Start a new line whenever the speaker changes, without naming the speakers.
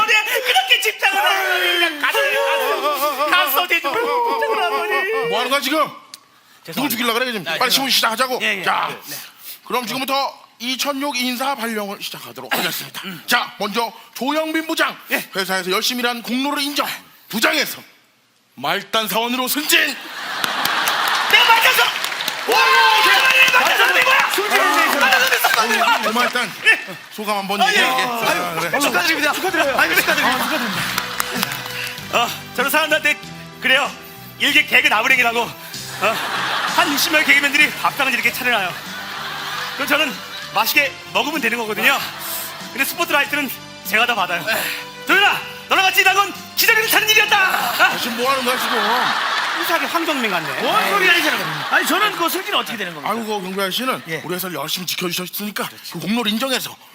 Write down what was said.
대접하는데 그렇게 집착을 하더니 그냥 갔어 대접을 집착을 하더니.
뭐 하는 거야 지금? 누구 죽이려고 그래 지금? 빨리 신문 시작하자고.
예, 예.
자,
네.
그럼 지금부터 이천육 인사 발령을 시작하도록 하겠습니다. 자, 먼저 조영빈 부장.
예.
회사에서 열심히 일한 공로를 인정. 부장에서 말단 사원으로 승진.
내가 맞았어. 와, 맞았어 된 거야. 맞았어.
말단 소감 한번 얘기해. 그래.
축하드립니다. 축하드려요. 아이고 축하드립니다. 저는 사람들한테 그래요. 일개 개그 나부랭이라고 한 60명의 개그맨들이 밥상을 이렇게 차려놔요. 그럼 저는 맛있게 먹으면 되는 거거든요. 근데 스포트라이트는 제가 다 받아요. 도현아, 너랑 같이 일한 건 기자들이 차는 일이었다.
지금 뭐 하는 거야 지금?
이상하게 황정민 같네.
뭔 소리 하시는 거예요? 아니 저는 그 승진 어떻게 되는 겁니까?
아이고 경배 아저씨는
예.
우리 회사를 열심히 지켜주셨으니까 그 공로를 인정해서